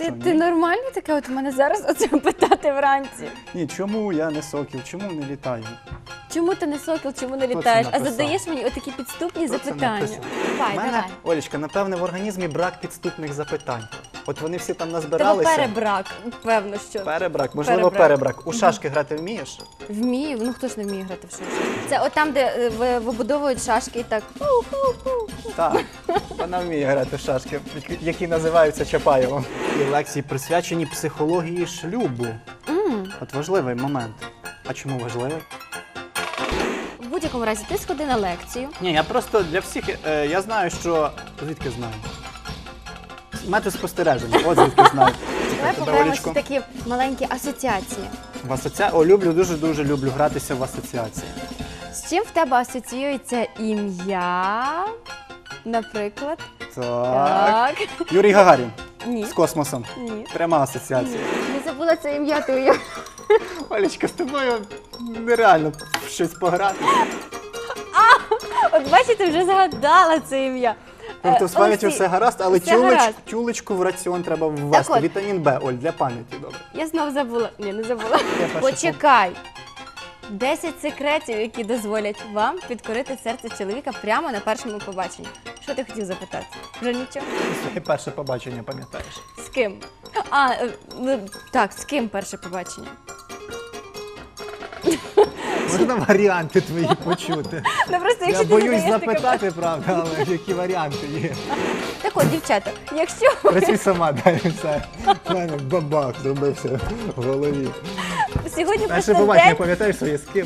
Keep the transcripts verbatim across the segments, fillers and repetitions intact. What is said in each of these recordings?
що, ти ні? нормальний таке? От у мене зараз оце питати вранці. Ні, чому я не сокіл, чому не літаю? Чому ти не сокіл, чому не Хто це літаєш? А написав? задаєш мені отакі підступні Хто це запитання. написав? Давай, У мене, давай. Олечка, напевне, в організмі брак підступних запитань. От вони всі там Тебе назбиралися. перебрак, певно, що. Перебрак, можливо, Перебрак. перебрак. У шашки грати вмієш? Вмію, ну хто ж не вміє грати в шашки? Це от там, де е, ви- вибудовують шашки і так. ху-ху-ху. Так, вона вміє грати в шашки, які називаються Чапаєвом. І лекції присвячені психології шлюбу. М. От важливий момент. А чому важливий? В будь-якому разі ти сходи на лекцію. Ні, я просто для всіх, е, я знаю, що... Звідки знаю? Метод спостереження, от звідки знаю. Давай Тебе, пограємо Олечко. всі такі маленькі асоціації. В асоція... О, люблю, дуже-дуже люблю гратися в асоціації. З чим в тебе асоціюється ім'я? Наприклад. Так. Юрій Гагарін. Ні. З космосом. Ні. Пряма асоціація. Не забула це ім'я твоє. Олечка, з тобою нереально в щось пограти. От бачите, вже згадала це ім'я. Тобто Е, з пам'яттю Олексій, все гаразд, але все тюлеч, гаразд. тюлечку в раціон треба ввести. от. Вітамін Б, Оль, для пам'яті, добре. Я знов забула. Ні, не забула. перше Почекай. десять секретів, які дозволять вам підкорити серце чоловіка прямо на першому побаченні. Що ти хотів запитати? Вже нічого? Своє перше побачення пам'ятаєш? З ким? А, е, ну, так, з ким перше побачення? Можна варіанти твої почути? Ну просто Я якщо ти боюсь задаєш таке... запитати, правда, але які варіанти є. Так от, дівчата, якщо Працюй сама, дай все. У мене бабах зробився в голові. сьогодні Перше просто побачення, день пам'ятаєш своє з ким?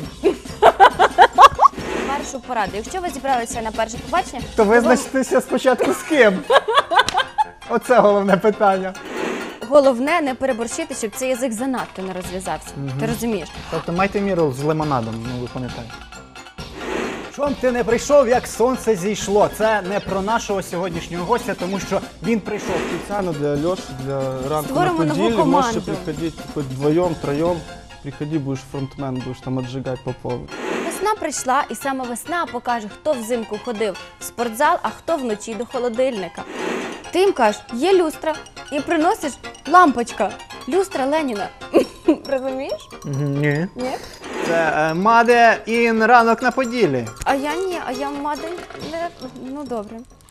першу пораду. Якщо ви зібралися на перше побачення, То вам визначтеся спочатку з ким. Оце головне питання. головне не переборщити, щоб цей язик занадто не розв'язався. Ти розумієш? Тобто майте міру з лимонадом, ну ви пам'ятаєте. Чом ти не прийшов, як сонце зійшло? Це не про нашого сьогоднішнього гостя, тому що він прийшов. Специально для Леши, для ранку Створимо на нову Подиле. Можете команду. приходить хоть вдвоем, троем. Приходи, будешь фронтмен, будешь там отжигать по полу. Весна прийшла, і саме весна покаже, хто взимку ходив в спортзал, а хто вночі до холодильника. Ти їм кажеш, є люстра, і приносиш лампочка. Люстра Леніна. Розумієш? Ні. Ні? Це е, Маде ін ранок на Поділі. А я ні, а я мадень не... Ну добре.